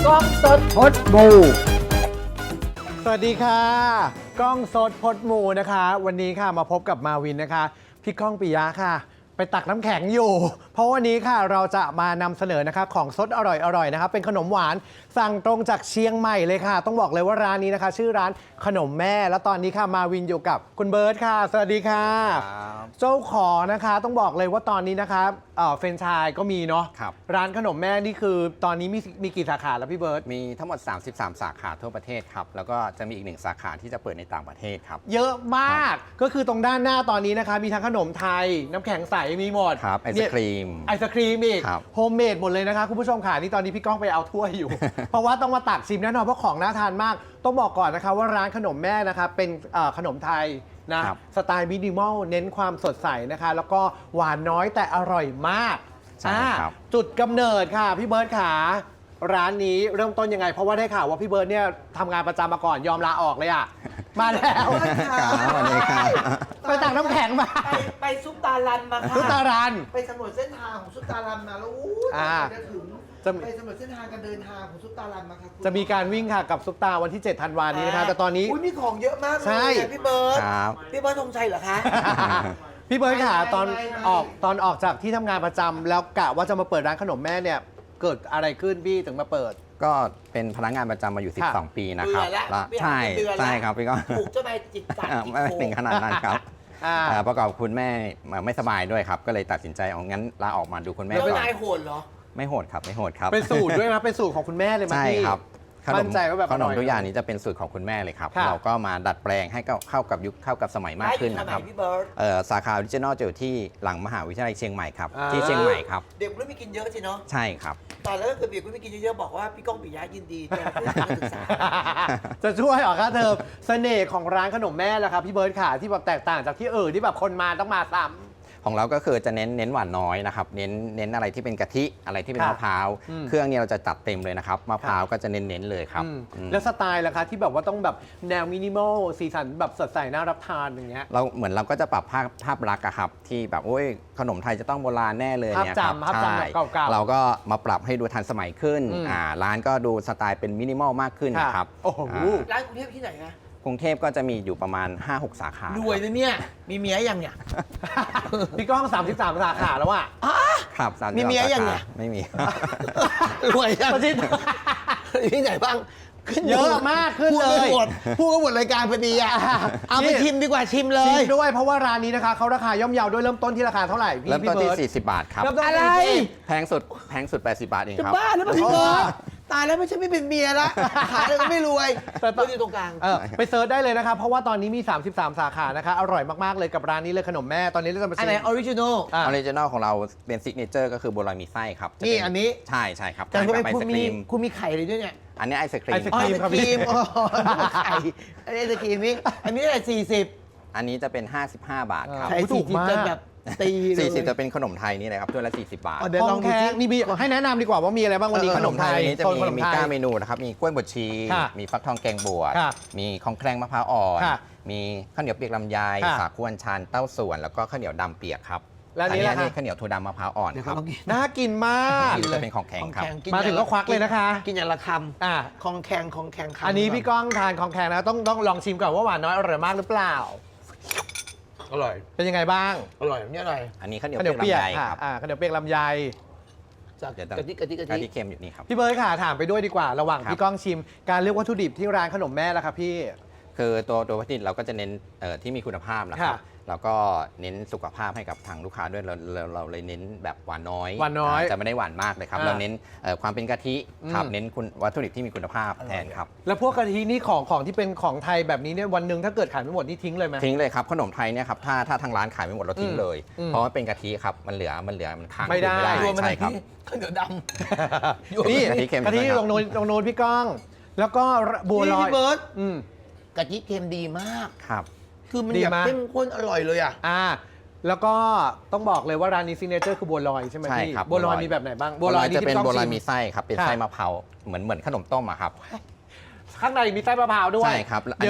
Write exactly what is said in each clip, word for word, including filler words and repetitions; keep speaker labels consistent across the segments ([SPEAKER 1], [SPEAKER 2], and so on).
[SPEAKER 1] กล้องสดพดบูสวัสดีค่ะกล้องสดพดหมูนะคะ วันนี้ค่ะมาพบกับมาวินนะคะพี่ก้องปิยะค่ะ ไปตักน้ำแข็งอยู่ เพราะวันนี้ค่ะเราจะมานำเสนอนะคะของสดอร่อยๆนะคะเป็นขนมหวานสั่งตรงจากเชียงใหม่เลยค่ะ ต้องบอกเลยว่าร้านนี้นะคะ ชื่อร้านขนมแม่แล้วตอนนี้ค่ะมาวินอยู่กับคุณเบิร์ตค่ะสวัสดีค่ะเจ้าของนะคะต้องบอกเลยว่าตอนนี้นะคะเอ่อเฟรนไชส์ก็มีเนาะร้านขนมแม่นี่คือตอนนี้มีมีกี่สาขาแล้วพี่เบิร์ต
[SPEAKER 2] มีทั้งหมดสามสิบสามสาขาทั่วประเทศครับแล้วก็จะมีอีกหนึ่งสาขาที่จะเปิดในต่างประเทศครับ
[SPEAKER 1] เยอะมากก็คือตรงด้านหน้าตอนนี้นะคะมีทั้งขนมไทยน้ำแข็งใสมีหมด
[SPEAKER 2] ครับไอศครีม
[SPEAKER 1] ไอศครีมอีกโฮมเมดหมดเลยนะคะคุณผู้ชมค่ะนี่ตอนนี้พี่ก้องไปเอาถ้วยอยู่ เพราะว่าต้องมาตักชิมแน่นอนเพราะของน่าทานมากต้องบอกก่อนนะคะว่าร้านขนมแม่นะคะเป็นขนมไทยนะสไตล์มินิมอลเน้นความสดใสนะคะแล้วก็หวานน้อยแต่อร่อยมากจุดกำเนิดค่ะพี่เบิร์ตขาร้านนี้เริ่มต้นยังไงเพราะว่าได้ข่าวว่าพี่เบิร์ตเนี่ยทำงานประจำมาก่อนยอมลาออกเลยอ่ะมาแล้วไปตักน้ำแข็งมา
[SPEAKER 3] ไปซุปตาลันมาค่ะ
[SPEAKER 1] ซุปตาลัน
[SPEAKER 3] ไปสำรวจเส้นทางของซุปตาลันมาแล้วอู้จะถึงไปสำรวจเส้นทางการเดินทางของซุปตาลันมาค่ะ
[SPEAKER 1] จะมีการวิ่งค่ะกับซุปตาวันที่เจ็ดธันวาคมนี้นะคะแต่ตอนนี้
[SPEAKER 3] อุ้ยมีของเยอะมากเลยพี่เบิร์ตพี่เบิร์ตธงชัยเหรอคะ
[SPEAKER 1] พี่เบิร์ตค่ะตอนออกตอนออกจากที่ทำงานประจำแล้วกะว่าจะมาเปิดร้านขนมแม่เนี่ยเกิดอะไรขึ้นพี่ถึงมาเปิด
[SPEAKER 2] ก็เป็นพนักงานประจำมาอยู่สิบสองปีนะครับใช่ใช่ครับพี่ก็
[SPEAKER 3] ถูกเจ้านายจิตจัด
[SPEAKER 2] ไม่ถึงขนาดนั้นครับประกอบคุณแม่ไม่สบายด้วยครับก็เลยตัดสินใจเอางั้นลาออกมาดูคุณแม่
[SPEAKER 3] แล้วนายโหดเหรอ
[SPEAKER 2] ไม่โหดครับไม่โหดครับ
[SPEAKER 1] เป็นสูตรด้วยนะเป็นสูตรของคุณแม่เลยมั้ยพี่
[SPEAKER 2] ใช่ครับขนมขนมทุกอย่างนี้จะเป็นสูตรของคุณแม่เลยครับเราก็มาดัดแปลงให้เข้ากับยุคเข้ากับสมัยมากขึ้นนะครับสาขาออริจินอลจะอยู่ที่หลังมหาวิทยาลัยเชียงใหม่ครับที่เชียงใหม่ครับ
[SPEAKER 3] เด็กรุ่นไม่กินเยอะสิเนาะ
[SPEAKER 2] ใช่ครับ
[SPEAKER 3] ตอนแล้วก็คือเด็กรุ่นไม่กินเยอะๆบอกว่าพี่ก้องปิยะยินดีจะช่วยการศึกษา
[SPEAKER 1] จะช่วยเหรอคะเธอเสน่ห์ของร้านขนมแม่แหละครับพี่เบิร์ตค่ะที่แบบแตกต่างจากที่อื่นที่แบบคนมาต้องมาซ้ำ
[SPEAKER 2] ของเราก็คือจะเน้นเน้นหวานน้อยนะครับเน้นเน้นอะไรที่เป็นกะทิอะไรที่เป็นมะพร้าวเครื่องนี้เราจะจัดเต็มเลยนะครับมะพร้าวก็จะเน้นเน้นเลยครับ
[SPEAKER 1] แล้วสไตล์ล่ะคะที่แบบว่าต้องแบบแนวมินิมอลสีสันแบบสดใสน่ารับทานอย่างเงี้ย
[SPEAKER 2] เราเหมือนเราก็จะปรับภาพภาพลักษณ์ครับที่แบบโอ้ยขนมไทยจะต้องโบราณแน่เลยเนี่ยครับ
[SPEAKER 1] ใช่
[SPEAKER 2] เราก็มาปรับให้ดูทันสมัยขึ้นอ่าร้านก็ดูสไตล์เป็นมินิมอลมากขึ้นนะครับ
[SPEAKER 1] โอ้โห
[SPEAKER 3] ร้านกรุงเทพที่ไหนนะ
[SPEAKER 2] กรุงเทพก็จะมีอยู่ประมาณ ห้าหก สาขาร
[SPEAKER 3] วยนะเนี่ยมีเมียยังเนี่ย
[SPEAKER 1] พี่ก้องสามสิบสามสาขาแล้วอ่ะ
[SPEAKER 2] ครับ
[SPEAKER 3] มีเมียยังเนี่ย
[SPEAKER 2] ไม่มี
[SPEAKER 3] รวยยังที่ไหนบ้าง
[SPEAKER 1] เยอะมากขึ้นเลย
[SPEAKER 3] พูดก็หมดรายการพอดีอ่ะเอาไปชิมดีกว่าชิมเลย
[SPEAKER 1] ชิมด้วยเพราะว่าร้านนี้นะคะเขาราคาย่อมเยาด้วยเริ่มต้นที่ราคาเท่าไหร่พี่
[SPEAKER 2] เริ่มต้นที่สี่สิบบาทครับ
[SPEAKER 3] อะไร
[SPEAKER 2] แพงสุดแพงสุดแปดสิบบาทเองครับ
[SPEAKER 3] บ้าแล้วพี่เบิร์ตตายแล้วไม่ใช่ไม่เป็นเมียละขายเลยก็ไม่รวยแต่ตอนอยู่ตรงกลาง
[SPEAKER 1] ไปเซิร์ชได้เลยนะครับเพราะว่าตอนนี้มีสามสิบสามสาขานะคะอร่อยมากๆเลยกับร้านนี้เลยขนมแม่ตอนนี้เราจะมาชิม
[SPEAKER 3] อะไรออริจินอล
[SPEAKER 2] ออริจินอลของเราเป็นซิกเนเจอร์ก็คือบัวลอยมีไส้ครับ
[SPEAKER 3] นี่อันนี้
[SPEAKER 2] ใช่ใช่ครับ
[SPEAKER 3] แต่คุณมีคุณมีไข่เลยด้วยเนี่ย
[SPEAKER 2] อันนี้ไอศครีม
[SPEAKER 1] ไอศครีมครับพี่
[SPEAKER 3] ไข่ไอศครีมนี่อันนี้อะไรสี่สิบ
[SPEAKER 2] อันนี้จะเป็นห้าสิบห้าบาทครับ
[SPEAKER 1] ถูกมาก
[SPEAKER 3] แบบตี
[SPEAKER 2] สี่สิบจะเป็นขนมไทยนี่เลยครับถ้วยละสี่สิบบาท
[SPEAKER 1] ลองแค่นี่มีให้แนะนำดีกว่าว่ามีอะไรบ้างวันนี้ขนมไทย
[SPEAKER 2] จะมีมีก้าเมนูนะครับมีกล้วยบดชีมีฟักทองแกงบวชมีของแครงมะพร้าวอ่อนมีข้าวเหนียวเปียกลำไยสาคูอัญชันเต้าส่วนแล้วก็ข้าวเหนียวดำเปียกครับ
[SPEAKER 1] แล้วนี่
[SPEAKER 2] นี่ข้าวเหนียวถั่วดำมะพร้าวอ่อนครับ
[SPEAKER 1] น่ากินมาก
[SPEAKER 2] จะเป็นของแข็งครับ
[SPEAKER 1] มาถึงก็ควักเลยนะคะ
[SPEAKER 3] กินอย่างละคำอ่าของแข็งของแข็ง
[SPEAKER 1] อันนี้พี่ก้องทานของแข็งนะต้องต้องลองชิมก่อนว่าหวานน้อยอร่อยมากหรือเปล่า
[SPEAKER 3] อร่อย
[SPEAKER 1] เป็นยังไงบ้าง
[SPEAKER 3] อร่อยนี่อะไร
[SPEAKER 2] อันนี้ข้าวเหนียวเปียกลำไยครับ
[SPEAKER 1] อ่าข้าวเหนียวเปียกลำไย
[SPEAKER 3] จากกะทิกะทิกะทิ
[SPEAKER 2] กะทิเค็มอยู่นี่ครับ
[SPEAKER 1] พี่เบิร์ดค่ะถามไปด้วยดีกว่าระหว่างพี่ก้องชิมการเลือกวัตถุดิบที่ร้านขนมแม่ล่ะครับพี่
[SPEAKER 2] คือตัวตัววัตถุดิบเราก็จะเน้นที่มีคุณภาพนะครับแล้วก็เน้นสุขภาพให้กับทางลูกค้าด้วยเราเราเลยเน้นแบบหวานน้อย
[SPEAKER 1] หวานน้อย
[SPEAKER 2] จะไม่ได้หวานมากเลยครับเราเน้นความเป็นกะทิครับเน้นคุณวัตถุดิบที่มีคุณภาพแทนครับ
[SPEAKER 1] แล้วพวกกะทินี่ของของที่เป็นของไทยแบบนี้เนี่ยวันหนึ่งถ้าเกิดขายไม่หมดนี่ทิ้งเลยไหม
[SPEAKER 2] ทิ้งเลยครับขนมไทยเนี่ยครับถ้าถ้าทางร้านขายไม่หมดเราทิ้งเลยเพราะว่าเป็นกะทิครับมันเหลือมันเหลือมันค้าง
[SPEAKER 1] ไม่ได้
[SPEAKER 2] ใช่ครับ
[SPEAKER 3] ข้าวเหนียวดำ
[SPEAKER 1] นี่กะทิลงโนนลงโนนพี่ก้องแล้วก็บัวลอย
[SPEAKER 3] พี่เบิร์ตกะทิเค็มดีมาก
[SPEAKER 2] ครับ
[SPEAKER 3] คือมันแบบเข้มข้นอร่อยเลยอ่ะ
[SPEAKER 1] อ่าแล้วก็ต้องบอกเลยว่าร้านนี้ซิกเนเจอร์คือบัวลอยใช่ไหมพี่บัวลอยมีแบบไหนบ้าง
[SPEAKER 2] บัวลอยจะเป็นบัวลอยมีไส้ครับเป็นไส้มะพร้าวเหมือนเหมือนขนมต้มอะครับ
[SPEAKER 1] ข้างในมีไส้มะพร้าวด้วย
[SPEAKER 2] ใช่ครับอันนี้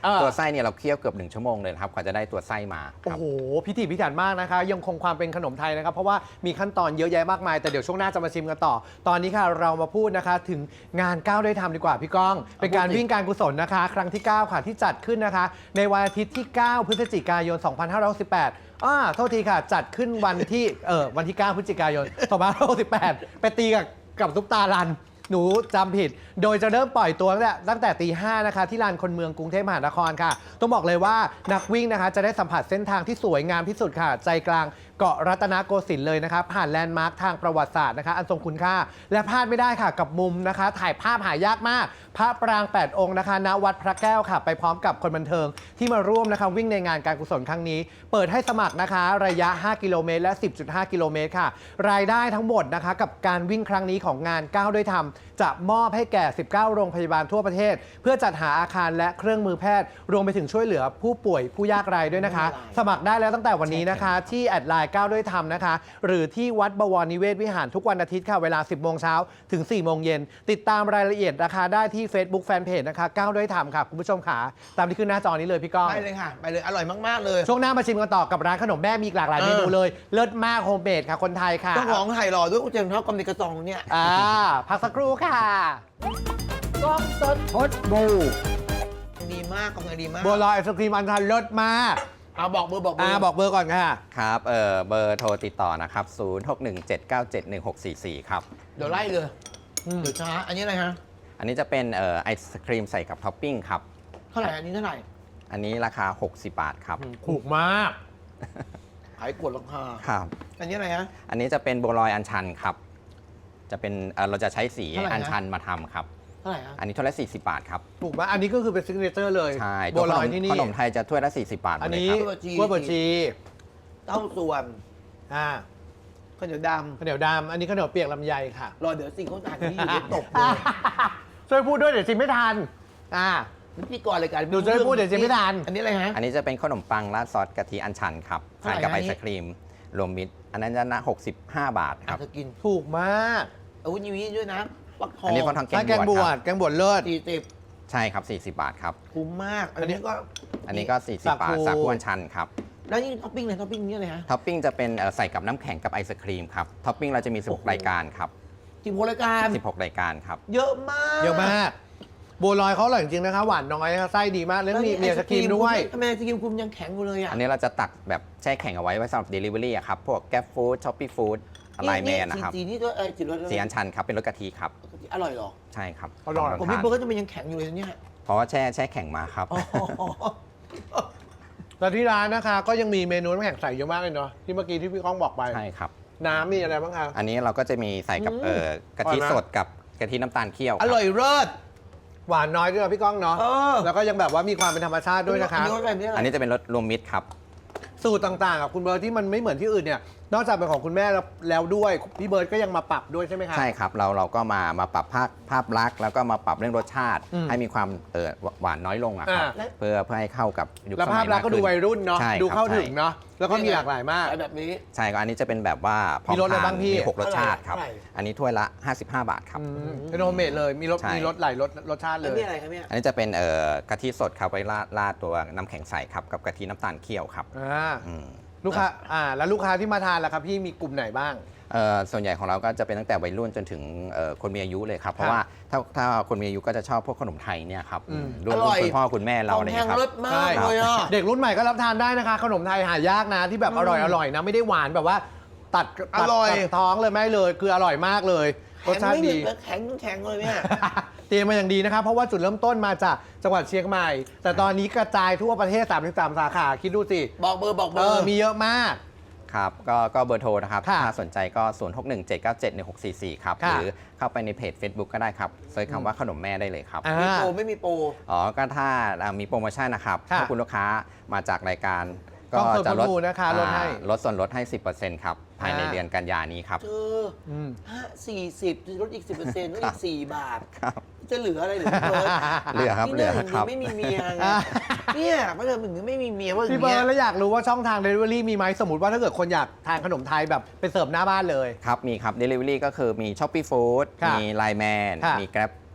[SPEAKER 1] เออ
[SPEAKER 2] ตัวไส้เนี่ยเราเคี่ยวเกือบหนึ่งชั่วโมงเลยนะครับกว่าจะได้ตัวไส้มาค
[SPEAKER 1] โอ้
[SPEAKER 2] รับ
[SPEAKER 1] โห พิถีพิถันมากนะคะ ยังคงความเป็นขนมไทยนะครับ เพราะว่ามีขั้นตอนเยอะแยะมากมาย แต่เดี๋ยวช่วงหน้าจะมาชิมกันต่อ ตอนนี้ค่ะเรามาพูดนะคะถึงงานก้าวด้วยธรรมดีกว่าพี่ก้อง เป็นการวิ่งการกุศลนะคะ ครั้งที่ เก้า ค่ะที่จัดขึ้นนะคะ ในวันอาทิตย์ที่ เก้า พฤศจิกายน สองพันห้าร้อยหกสิบแปดอ่าโทษทีค่ะ จัดขึ้นวันที่เออวันที่ เก้า พฤศจิกายน สองพันห้าร้อยหกสิบแปด ไปตีกับกับซุปตาลัน หนูจำผิด โดยจะเริ่มปล่อยตัวตั้งแต่ตั้งแต่ตีห้านะคะที่ลานคนเมืองกรุงเทพมหานครค่ะ ต้องบอกเลยว่านักวิ่งนะคะจะได้สัมผัสเส้นทางที่สวยงามที่สุดค่ะ ใจกลางเกาะรัตนโกสินทร์เลยนะคะผ่านแลนด์มาร์คทางประวัติศาสตร์นะคะอันทรงคุณค่า และพลาดไม่ได้ค่ะกับมุมนะคะ ถ่ายภาพหายากมาก พระปรางแปดองค์นะคะณวัดพระแก้วค่ะ ไปพร้อมกับคนบันเทิงที่มาร่วมนะคะวิ่งในงานการกุศลครั้งนี้ เปิดให้สมัครนะคะ ระยะ ห้า กิโลเมตรและ สิบจุดห้า กิโลเมตรค่ะ รายได้ทั้งหมดนะคะกับการวิ่งครั้งนี้ของงานก้าวด้วยธรรมจะมอบให้แก่ สิบเก้า โรงพยาบาลทั่วประเทศ เพื่อจัดหาอาคารและเครื่องมือแพทย์ รวมไปถึงช่วยเหลือผู้ป่วยผู้ยากไร้ด้วยนะคะ สมัครได้แล้วตั้งแต่วันนี้นะคะ ที่แอดไลน์ก้าวด้วยธรรมนะคะ หรือที่วัดบวรนิเวศวิหารทุกวันอาทิตย์ค่ะเวลา สิบ โมงเช้าถึง สี่ โมงเย็นติดตามรายละเอียดราคาได้ที่ Facebook Fanpage นะคะก้าวด้วยธรรมค่ะคุณผู้ชมขาตามที่ขึ้นหน้าจอนี้เลยพี่ก้อง
[SPEAKER 3] ไปเลยค่ะ ไปเลย อร่อยมาก ๆ เลย
[SPEAKER 1] ช่วงหน้ามาชิมกันต่อกับร้านขนมแม่มีอีกหลากหลาย
[SPEAKER 3] เออ
[SPEAKER 1] เมนูเลยเลิศมากโฮมเมดค่ะคนไทยค่ะ
[SPEAKER 3] ต้องของไทยรอด้วยกูเจมส์เท่ากำมิกระซองเนี่ย
[SPEAKER 1] อ่าพักสักครู่ค่ะ
[SPEAKER 3] กล้องสด
[SPEAKER 1] พดบู
[SPEAKER 3] ดีมากกำลังดีมาก
[SPEAKER 1] บัวลอยไอศครีมอันทันเลิศมาก
[SPEAKER 3] เอาบอกเบอร์บอกเบอ
[SPEAKER 1] อ่า
[SPEAKER 3] ร์
[SPEAKER 1] บอกเบอร์ก่อนค่ะ
[SPEAKER 2] ครับเออเบอร์โทรติดต่อนะครับ ศูนย์ หก หนึ่ง เจ็ด เก้า เจ็ด หนึ่ง หก สี่ สี่ ครับ
[SPEAKER 3] เดี๋ยวไล่เลย
[SPEAKER 1] อืม
[SPEAKER 3] เดี๋ยวช้า อันนี้อะไรฮะ
[SPEAKER 2] อันนี้จะเป็นเอ่อไอศครีมใส่กับท็อปปิ้งครับ
[SPEAKER 3] เท่าไหร่ อันนี้เท่าไหร่
[SPEAKER 2] อันนี้ราคา หกสิบบาทครับ
[SPEAKER 1] ถูกมาก
[SPEAKER 3] ขายกดราคา
[SPEAKER 2] ครับ
[SPEAKER 3] อันนี้อะไรฮะ
[SPEAKER 2] อันนี้จะเป็นบัวลอยอัญชันครับ จะเป็นเอ่อเราจะใช้สี
[SPEAKER 3] เท่าไหร่นะ
[SPEAKER 2] อัญชันมาทำครับ
[SPEAKER 3] เท่าไหร่ฮะ
[SPEAKER 2] อันนี้ถ้วยละสี่สิบบาทครับ
[SPEAKER 1] ถูกมากอันนี้ก็คือเป็นซิกเนเจอร์เลย
[SPEAKER 2] ใช่
[SPEAKER 1] บัวลอยที่นี่
[SPEAKER 2] ขนมไทยจะถ้วยละสี่สิบบาทหม
[SPEAKER 1] อั
[SPEAKER 2] ด
[SPEAKER 1] น
[SPEAKER 2] เลย
[SPEAKER 1] นี้
[SPEAKER 2] ครับ
[SPEAKER 1] กล้วยบวชชี
[SPEAKER 3] เต้าส่วน
[SPEAKER 1] อ่า
[SPEAKER 3] ข้าวเหนียวด
[SPEAKER 1] ข้าวเหนียวดำอันนี้ข้าวเหนียวเปียกลำไยค่ะ
[SPEAKER 3] ำรอเดี๋ยวสิ่งเขาจ่ายที่อยู่เดี๋ยวตกเลย
[SPEAKER 1] ช่วยพูดด้วยเดี๋ยวชิมไม่ทันอ่า
[SPEAKER 3] นี่พี่กรรายการ
[SPEAKER 1] หนูจะได้พูดเดี๋ยวจะไม่ทัน
[SPEAKER 3] อันนี้อะไรฮะ
[SPEAKER 2] อันนี้จะเป็นขนมปังราดซอสกะทิอัญชันครับ
[SPEAKER 3] เท่าไหร่
[SPEAKER 2] ทานกับ
[SPEAKER 3] นะ
[SPEAKER 2] ไอ
[SPEAKER 3] นี่
[SPEAKER 2] ศครีมรวมมิตร อันนั้นจะนะหกสิบห้าบาทค
[SPEAKER 3] อา
[SPEAKER 2] รั
[SPEAKER 3] จ
[SPEAKER 2] บ
[SPEAKER 3] จะกิน
[SPEAKER 1] ถูกมาก
[SPEAKER 3] อาวุธยีวีด้วยนะปักทอง
[SPEAKER 2] อันนี้ฟักทอง
[SPEAKER 1] ถ้าแกงบวชแกงบวชเลิศ
[SPEAKER 3] สี่สิบ
[SPEAKER 2] ใช่ครับสี่สิบบาทครับ
[SPEAKER 3] คุ้มมาก อันนี้ก็
[SPEAKER 2] อันนี้ก็สี่สิบบาท
[SPEAKER 1] สาคู
[SPEAKER 2] สาคูอัญชันครับ
[SPEAKER 3] แล้วนี่ท็อปปิ้งเลยท็อปปิ้งนี่อะไรฮะ
[SPEAKER 2] ท็อปปิ้งจะเป็นเอ่อใส่กับน้ำแข็งกับไอศครีมครับท็อปปิ้งเราจะมีสิบหก
[SPEAKER 3] โอ้โห
[SPEAKER 2] รายการครับ
[SPEAKER 3] ทีมโพลรายการ
[SPEAKER 2] สิบหกรายการครับ
[SPEAKER 3] เยอะมาก
[SPEAKER 1] เยอะมากบัวลอยเขาอร่อยจริงๆนะคะหวานน้อยนะคะไส้ดีมากแล้วมีมีไอศครีมด้วย
[SPEAKER 3] ทำไมไอศครีมคุณยังแข็งอยู่เลยอ่ะ
[SPEAKER 2] อันนี้เราจะตักแบบแช่แข็งเอาไว้ไว้สำหรับ Delivery อะครับ พวกแก p ฟู้ดช้อปปี้ฟู้ดไลน์แมนนะครับ
[SPEAKER 3] สีนี่ก็เออสีรส
[SPEAKER 2] สีอัญชันครับ เป็นรสกะทิครับ
[SPEAKER 3] อร่อยเหรอ
[SPEAKER 2] ใช่ครับ
[SPEAKER 1] อร่อย
[SPEAKER 2] ลง
[SPEAKER 3] ผม
[SPEAKER 2] ทา
[SPEAKER 3] พี่
[SPEAKER 2] น
[SPEAKER 3] เบิร์ดก็จะมันยังแข็งอยู่เลยเนี่ย
[SPEAKER 2] เพราะว่าแช่แช่แข็งมาครับ
[SPEAKER 3] อ๋อ
[SPEAKER 1] แล้วที่ร้านนะคะก็ยังมีเมนูน้ำแข็งใสเยอะมากเลยเนาะที่เมื่อกี้ที่พี่ก้องบอกไป
[SPEAKER 2] ใช่ครับ
[SPEAKER 1] น้ำมีอะไรบ้างคะ
[SPEAKER 2] อันนี้เราก็จะมีใส่กับ
[SPEAKER 3] อืม
[SPEAKER 2] เอ่อกะทิ
[SPEAKER 1] อร่อยไหม
[SPEAKER 2] สดกับกะทิน้ำตาลเคี่ยวค
[SPEAKER 3] อ
[SPEAKER 2] รับ
[SPEAKER 3] ร่อยเลิศ
[SPEAKER 1] หวานน้อยด้วยนะพี่ก้องเนาะ
[SPEAKER 3] เออ
[SPEAKER 1] แล้วก็ยังแบบว่ามีความเป็นธรรมชาติด้วยนะคะ
[SPEAKER 3] อันนี้รสอะไรเนี่ย
[SPEAKER 2] อันนี้จะเป็นรสรวมมิตรครับ
[SPEAKER 1] สูตรต่างๆกับคุณเบิร์ตที่มันไม่เหมือนที่อื่นเนี่ยนอกจากเป็นของคุณแม่แล้วแล้วด้วยพี่เบิร์ตก็ยังมาปรับด้วยใช่ไหมคะ
[SPEAKER 2] ใช่ครับ เราเราก็มามาปรับภาพภาพลักษณ์แล้วก็มาปรับเรื่องรสชาติ
[SPEAKER 1] อืม
[SPEAKER 2] ให้มีความเออหวานน้อยลงอะครับ
[SPEAKER 1] อ่า
[SPEAKER 2] เพื่อเพื่อให้เข้ากับยุค
[SPEAKER 1] แล้ว
[SPEAKER 2] ส
[SPEAKER 1] ภา
[SPEAKER 2] มั
[SPEAKER 1] พ
[SPEAKER 2] ย
[SPEAKER 1] ลั
[SPEAKER 2] มาก ก
[SPEAKER 1] ษณ์ก็ดู
[SPEAKER 2] ขึ้น
[SPEAKER 1] วัยรุ่นเนาะ
[SPEAKER 2] ใช่ครับ
[SPEAKER 1] ดูเข้า
[SPEAKER 2] ใช่
[SPEAKER 1] ถึงเนาะแล้วก็มีหลากหลายมาก
[SPEAKER 3] แบบนี้
[SPEAKER 2] ใช่ก็อันนี้จะเป็นแบบว่าพร้อม
[SPEAKER 1] มีรสอะไร
[SPEAKER 2] ทาน
[SPEAKER 1] บ้างพี่
[SPEAKER 2] มีหกรสชาติครับ
[SPEAKER 3] เท่าไหร่
[SPEAKER 2] อันนี้ถ้วยละ ห้าสิบห้า บาทครับ
[SPEAKER 1] อืมเป็นโฮมเมดเลยมีรส
[SPEAKER 2] ใช่
[SPEAKER 1] มีรสหลายรสรสชาติเล
[SPEAKER 3] แล้ว
[SPEAKER 1] ย
[SPEAKER 3] นี่อะไรครับเนี่ย
[SPEAKER 2] อันนี้จะเป็นเอ่อกะทิสดครับไว้ราดราดตัวน้ำแข็งใสครับกับกะทิน้ำตาลเคี่ยวครับ
[SPEAKER 1] อ่า
[SPEAKER 2] อืม
[SPEAKER 1] ลูกค้าอ่าแล้วลูกค้าที่มาทานล่ะครับพี่มีกลุ่มไหนบ้าง
[SPEAKER 2] เอ่อส่วนใหญ่ของเราก็จะเป็นตั้งแต่วัยรุ่นจนถึงเอ่อคนมีอายุเลยครับ เพราะว่าถ้าถ้าคนมีอายุก็จะชอบพวกขนมไทยเนี่ยครับ
[SPEAKER 1] อืม
[SPEAKER 2] รุ่น
[SPEAKER 3] อร่อย
[SPEAKER 2] คุณพ่อคุณแม่เรา
[SPEAKER 3] ขอ
[SPEAKER 2] อะ
[SPEAKER 3] ง
[SPEAKER 2] ไร
[SPEAKER 3] แพ
[SPEAKER 2] เงี้
[SPEAKER 3] ง
[SPEAKER 2] ยครับ
[SPEAKER 3] เลิศมากเลยอ่ะ
[SPEAKER 1] เด็กรุ่นใหม่ก็รับทานได้นะคะ ขนมไทยหายากนะที่แบบ
[SPEAKER 3] อืม
[SPEAKER 1] อร่อยอร่อยนะไม่ได้หวานแบบว่า ตัดตัด
[SPEAKER 3] อร่อย
[SPEAKER 1] ตัดท้องเลยไม่เลยคืออร่อยมากเลยรสชาติดี
[SPEAKER 3] แข็งแข็งเลยเนี่ย
[SPEAKER 1] เตรียมมาอย่างดีนะครับเพราะว่าจุดเริ่มต้นมาจากจังหวัดเชียงใหม่ แต่ตอนนี้กระจายทั่วประเทศสามสิบสามสาขาคิดดูสิ
[SPEAKER 3] บอกเบอร์บอกเบ
[SPEAKER 1] เอ
[SPEAKER 3] อ
[SPEAKER 1] อ
[SPEAKER 3] ร์
[SPEAKER 1] มีเยอะมาก
[SPEAKER 2] ครับก็ก็เบอร์โทรนะครับ
[SPEAKER 1] ค่ะ
[SPEAKER 2] ถ้าสนใจก็ ศูนย์ หก หนึ่ง เจ็ด เก้า เจ็ด หนึ่ง หก สี่ สี่ ครับ
[SPEAKER 1] ค่ะ
[SPEAKER 2] หรือเข้าไปในเพจ Facebook ก็ได้ครับเซิร์ชคำว่าขนมแม่ได้เลยครับ
[SPEAKER 1] อ่า
[SPEAKER 3] มีโปรไม่มีโปร
[SPEAKER 2] อ๋อ ก็ถ้าอ่ามีโปรโมชั่นนะครับ
[SPEAKER 1] ค่ะ
[SPEAKER 2] ถ้าคุณลูกค้ามาจากรายการ
[SPEAKER 1] ต้
[SPEAKER 2] ก็
[SPEAKER 1] องเปิด
[SPEAKER 2] จะลด
[SPEAKER 1] ประมูลนะคะลดให้
[SPEAKER 2] อ่าลดส่วนลดให้ สิบเปอร์เซ็นต์ ครับ ภายใน
[SPEAKER 1] อ่า
[SPEAKER 2] เดือนกันยานี้ครับ
[SPEAKER 3] เธอ
[SPEAKER 1] อืม
[SPEAKER 3] ห้าสี่สิบลดอีกสิบเปอร์เซ็นต์ลด
[SPEAKER 2] ครั
[SPEAKER 3] อี
[SPEAKER 2] บ
[SPEAKER 3] กสี่บาท
[SPEAKER 2] ครับ
[SPEAKER 3] จะเหลืออะไรเหลือเบิร์ด
[SPEAKER 2] เหลือครับ
[SPEAKER 3] นี่
[SPEAKER 2] เหลือ
[SPEAKER 3] น่า
[SPEAKER 2] ครับ
[SPEAKER 3] ไม่มีเมียไง
[SPEAKER 1] อ่า
[SPEAKER 3] เนี่ยเพราะเธอถึงไม่มีเมียว่าอย่า
[SPEAKER 1] พี่
[SPEAKER 3] ง
[SPEAKER 1] เบิ
[SPEAKER 3] เงี้
[SPEAKER 1] ร์
[SPEAKER 3] ย
[SPEAKER 1] ดแล้วอยากรู้ว่าช่องทาง Delivery มีไหมสมมติว่าถ้าเกิดคนอยากทานขนมไทยแบบไปเสิร์ฟหน้าบ้านเลย
[SPEAKER 2] ครับ มีครับ Delivery ก็คือมี Shopee Food
[SPEAKER 1] ค่ะ
[SPEAKER 2] มี Line Man
[SPEAKER 1] ค่ะ
[SPEAKER 2] มี Grab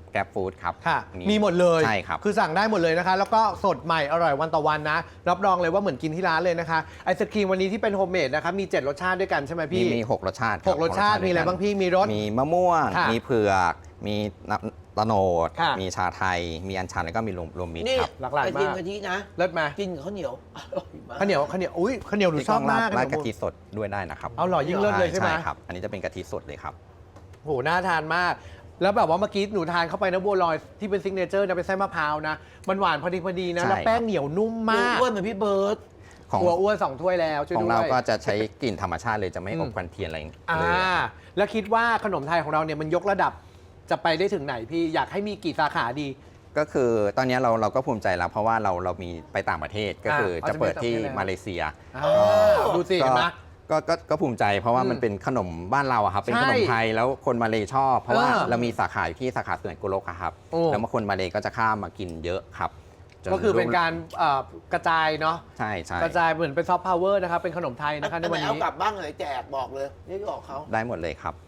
[SPEAKER 2] แกร็บฟู้ดครับ
[SPEAKER 1] ค่ะ มีหมดเลย
[SPEAKER 2] ใช่ครับ
[SPEAKER 1] คือสั่งได้หมดเลยนะคะ แล้วก็สดใหม่อร่อยวันต่อวันนะ รับรองเลยว่าเหมือนกินที่ร้านเลยนะคะ ไอศครีมวันนี้ที่เป็นโฮมเมดนะคะมีเจ็ดรสชาติด้วยกันใช่ไหม
[SPEAKER 2] มี
[SPEAKER 1] พี่
[SPEAKER 2] มีหกรสชาติคบ
[SPEAKER 1] หกรสชาติมีอะไรบ้างพี่มีรส
[SPEAKER 2] มีมะม่วง
[SPEAKER 1] ค่ะ
[SPEAKER 2] มีเผือก มีน้ำตะโนด
[SPEAKER 1] ค่ะ
[SPEAKER 2] มีชาไทย มีอัญชันแล้วก็มีรวมรวมมิตร
[SPEAKER 3] นี่
[SPEAKER 2] ครับ
[SPEAKER 1] หลากหลาย
[SPEAKER 3] ไอติม
[SPEAKER 1] มาก
[SPEAKER 3] กะทินะ
[SPEAKER 1] เลิศไหม
[SPEAKER 3] กินกับข้าวเหนียวอร่อยมาก
[SPEAKER 1] ข้าวเหนียวข้าวเหนียวอุ้ยข้าวเหนียวหนู
[SPEAKER 2] ที่
[SPEAKER 1] ชอบมาก
[SPEAKER 2] ราด
[SPEAKER 1] ขน
[SPEAKER 2] กะ
[SPEAKER 1] ม
[SPEAKER 2] ทิสดด้วยได้นะครับ
[SPEAKER 1] เอาหล่อยิ่งเลิศเลยใช่ไหม
[SPEAKER 2] ครับ อันนี้จะเป็นกะทิสดเลยครับ
[SPEAKER 1] โหน่าทานมาก แล้วแบบว่าเมื่อกี้หนูทานเข้าไปนะบัวลอยที่เป็นซิกเนเจอร์นะเป็นไส้มะพร้าวนะมันหวานพอดีพอดีนะ
[SPEAKER 2] ใช่
[SPEAKER 1] แล้วแป้งเหนียวนุ่มมาก
[SPEAKER 3] อ้วนเหมือนพี่เบิร์ต
[SPEAKER 2] ของ
[SPEAKER 1] ตัวอ้วนสองถ้วยแล้วช่วย
[SPEAKER 2] ของ
[SPEAKER 1] ด้วย
[SPEAKER 2] เราก็จะใช้กลิ่นธรรมชาติเลยจะไม่
[SPEAKER 1] อืม
[SPEAKER 2] อบควันเทียนอะไร
[SPEAKER 1] อ่า
[SPEAKER 2] เลย
[SPEAKER 1] แล้วคิดว่าขนมไทยของเราเนี่ยมันยกระดับจะไปได้ถึงไหนพี่อยากให้มีกี่สาขาดี
[SPEAKER 2] ก็คือตอนนี้เราเราก็ภูมิใจแล้วเพราะว่าเราเรามีไปต่างประเทศก็คือ
[SPEAKER 1] เอา
[SPEAKER 2] จะเปิดที่
[SPEAKER 1] จะไปต่างประเทศแล้ว
[SPEAKER 2] มาเลเซีย
[SPEAKER 1] อ่าดูสิ
[SPEAKER 2] ก็
[SPEAKER 1] เห็นไหม
[SPEAKER 2] ก็ก็ก็ภูมิใจเพราะว่า
[SPEAKER 1] อืม
[SPEAKER 2] มันเป็นขนมบ้านเราอะครับ เป็น
[SPEAKER 1] ใช่
[SPEAKER 2] ขนมไทยแล้วคนมาเลชอบ เพราะว่า
[SPEAKER 1] เออ
[SPEAKER 2] เรามีสาขาอยู่ที่สาขาสวนกุโลกอะครับ
[SPEAKER 1] โอ้
[SPEAKER 2] แล้วมาคนมาเลก็จะข้ามมากินเยอะครับจ
[SPEAKER 1] ก็คือเป็นการเอ่อกระจายเนาะ
[SPEAKER 2] ใช่ใช่
[SPEAKER 1] กระจายเหมือนเป็นซอฟต์พาวเวอร์นะครับเป็นขนมไทยนะคะใน
[SPEAKER 3] อันไห
[SPEAKER 1] วัน น
[SPEAKER 3] เอา
[SPEAKER 1] นี้
[SPEAKER 3] กลับบ้างเลยแจกบอกเลยนี่บอกเขา
[SPEAKER 2] ได้หมดเลยครับ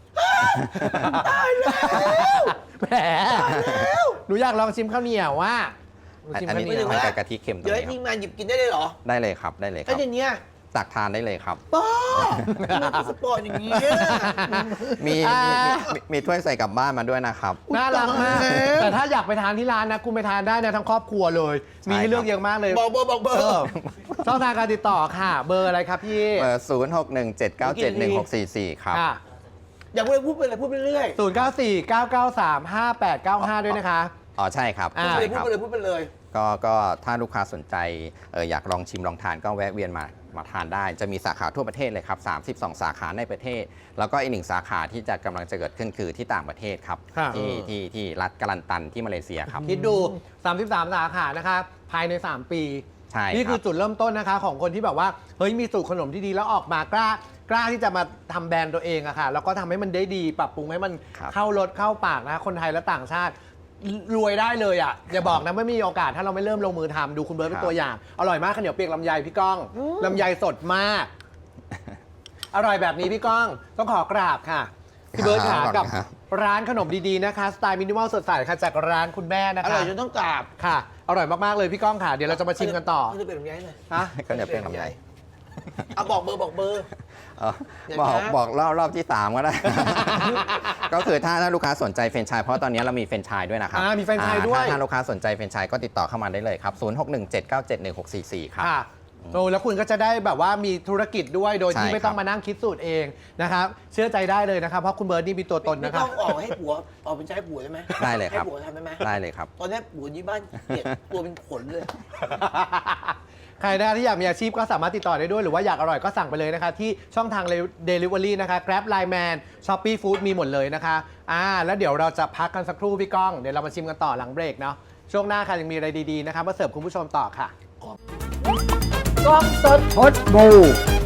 [SPEAKER 1] แหมหนูอยากลองชิมข้าวเหนียวว่าหนูชิม
[SPEAKER 2] อัน
[SPEAKER 1] ข้าว
[SPEAKER 2] นี้
[SPEAKER 1] เหนียว
[SPEAKER 2] มันจะกะทิเค็มตร
[SPEAKER 3] เดี๋ยว
[SPEAKER 2] ง
[SPEAKER 3] ให้
[SPEAKER 2] นี้
[SPEAKER 3] ที
[SPEAKER 2] ค
[SPEAKER 3] ม
[SPEAKER 2] รับ
[SPEAKER 3] งานหยิบกินได้เลยเหรอ
[SPEAKER 2] ได้เลยครับได้เลยค
[SPEAKER 3] ไอ้
[SPEAKER 2] รับ
[SPEAKER 3] เดี๋ยวนี้
[SPEAKER 2] ตักทานได้เลยครับ
[SPEAKER 3] ป้ามันสปอร์ตอย่างนี้
[SPEAKER 2] มี
[SPEAKER 1] อ่า
[SPEAKER 2] มีมีมีถ้วยใส่กลับบ้านมาด้วยนะครับ
[SPEAKER 1] น่ารักมาก แต่ถ้าอยากไปทานที่ร้านนะคุณไปทานได้นะทั้งครอบครัวเลย
[SPEAKER 2] ใช่
[SPEAKER 1] มีให้เลือก
[SPEAKER 2] ครับ
[SPEAKER 1] เยอะมากเลย
[SPEAKER 3] บอกเบอร์บอกเบอ
[SPEAKER 1] เอ
[SPEAKER 3] ร์
[SPEAKER 1] อช่องทางการติดต่อค่ะ เบอร์อะไรครับพี่
[SPEAKER 2] เบอร์ศูนย์หกหนึ่งเจ็ดเก้าเจ็ดหนึ่งหกสี่สี่ครับ
[SPEAKER 1] ค่ะ
[SPEAKER 3] อย่าพูดเลยพูดไปเลยพูดไปเรื่อย
[SPEAKER 1] ศูนย์เก้าสี่เก้าเก้าสามห้าแปดเก้าห้าด้วยนะคะ
[SPEAKER 2] อ๋อใช่ครับ
[SPEAKER 1] อ่า
[SPEAKER 3] พูดไป
[SPEAKER 2] ใช่
[SPEAKER 3] เลย
[SPEAKER 2] ค
[SPEAKER 3] พูด
[SPEAKER 2] รับ
[SPEAKER 3] ไปเลยพูดไปเลย
[SPEAKER 2] ก็ก็ถ้าลูกค้าสนใจเอออยากลองชิมลองทานก็แวะเวียนมามาทานได้ จะมีสาขาทั่วประเทศเลยครับ สามสิบสอง สาขาในประเทศ แล้วก็อีกหนึ่งสาขาที่จะกำลังจะเกิดขึ้นคือที่ต่างประเทศครับ
[SPEAKER 1] ค่ะ
[SPEAKER 2] ที่ที่ที่รัฐกาลันตันที่มาเลเซียครับ
[SPEAKER 1] คิดดู สามสิบสาม สาขานะคะภายใน สาม ปี
[SPEAKER 2] ใช่
[SPEAKER 1] นี่คือ
[SPEAKER 2] ครับ
[SPEAKER 1] จุดเริ่มต้นนะคะ ของคนที่แบบว่า เฮ้ย มีสูตรขนมที่ดีแล้วออกมากล้ากล้าที่จะมาทำแบรนด์ตัวเองอะค่ะ แล้วก็ทำให้มันได้ดีปรับปรุงให้มัน
[SPEAKER 2] ครับ
[SPEAKER 1] เข้ารสเข้าปากนะคะคนไทยและต่างชาติรวยได้เลยอะอย่าบอกนะไม่มีโอกาสถ้าเราไม่เริ่มลงมือทำดูคุณเบิร์ตเป็นตัวอย่าง อร่อยมากข้าวเหนียวเปียกลำไยพี่ก้องลำไยสดมาก อร่อยแบบนี้พี่ก้องต้องขอกราบค่ะพี่เบิร์ตขากับร้านขนมดีๆนะคะสไตล์มินิมอลสดใสค่ะจากร้านคุณแม่นะ
[SPEAKER 3] อร่
[SPEAKER 1] คะ
[SPEAKER 3] อยจนต้องกราบ
[SPEAKER 1] ค่ะ อร่อยมาก ๆ เลยพี่ก้องค่ะ เดี๋ยวเราจะมาชิมกันต่อ
[SPEAKER 3] นี่จะเป็นแบบนี้หน่อย
[SPEAKER 1] ฮะ
[SPEAKER 2] ก็จะเป็นลำไย
[SPEAKER 3] เอาบอกเบอร์บอกเบอร์
[SPEAKER 2] เอ่อ
[SPEAKER 3] เดี๋ยว
[SPEAKER 2] บอก
[SPEAKER 3] นะ
[SPEAKER 2] บอกรอบรอบที่สามก็ได้ ก็คือถ้าถ้าลูกค้าสนใจแฟรนไชส์เพราะตอนนี้เรามีแฟรนไชส์ด้วยนะครับ
[SPEAKER 1] อ่ามีแฟรนไชส์ด้วย
[SPEAKER 2] อ่าถ้าถ้าลูกค้าสนใจแฟรนไชส์ก็ติดต่อเข้ามาได้เลยครับศูนย์หกหนึ่งเจ็ดเก้าเจ็ดหนึ่งหกสี่สี่ครับ
[SPEAKER 1] ค่ะโอ้แล้วคุณก็จะได้แบบว่ามีธุรกิจด้วยโดยที่
[SPEAKER 2] ใช่
[SPEAKER 1] ไม่ต้อง
[SPEAKER 2] ครับ
[SPEAKER 1] มานั่งคิดสูตรเองนะครับ เชื่อใจได้เลยนะครับ เพราะคุณเบิร์ตนี่มีตัวตน
[SPEAKER 3] ไม่
[SPEAKER 1] นะครั
[SPEAKER 3] ต้
[SPEAKER 1] บ
[SPEAKER 3] องออกให้ผัวออกเป็นใช้ผัวได้ไหม
[SPEAKER 2] ได้เลยครับ
[SPEAKER 3] ให้ผัวทำได้ไหม
[SPEAKER 2] ได้เลยครับ
[SPEAKER 3] ตอนนี้ผัวที่บ้านเกลียดตัวเป็นขนเลย
[SPEAKER 1] ใครนะที่อยากมีอาชีพก็สามารถติดต่อได้ด้วย หรือว่าอยากอร่อยก็สั่งไปเลยนะคะ ที่ช่องทาง Delivery นะคะ Grab Line Man Shopee Food มีหมดเลยนะคะอ่าแล้วเดี๋ยวเราจะพักกันสักครู่พี่ก้องเดี๋ยวเรามาชิมกันต่อหลังเบรกเนาะช่วงหน้าค่ะยังมีอะไรดีๆนะคะมาเสิร์ฟคุณผู้ชมต่อค่ะ
[SPEAKER 3] กล้องสด
[SPEAKER 1] พดบู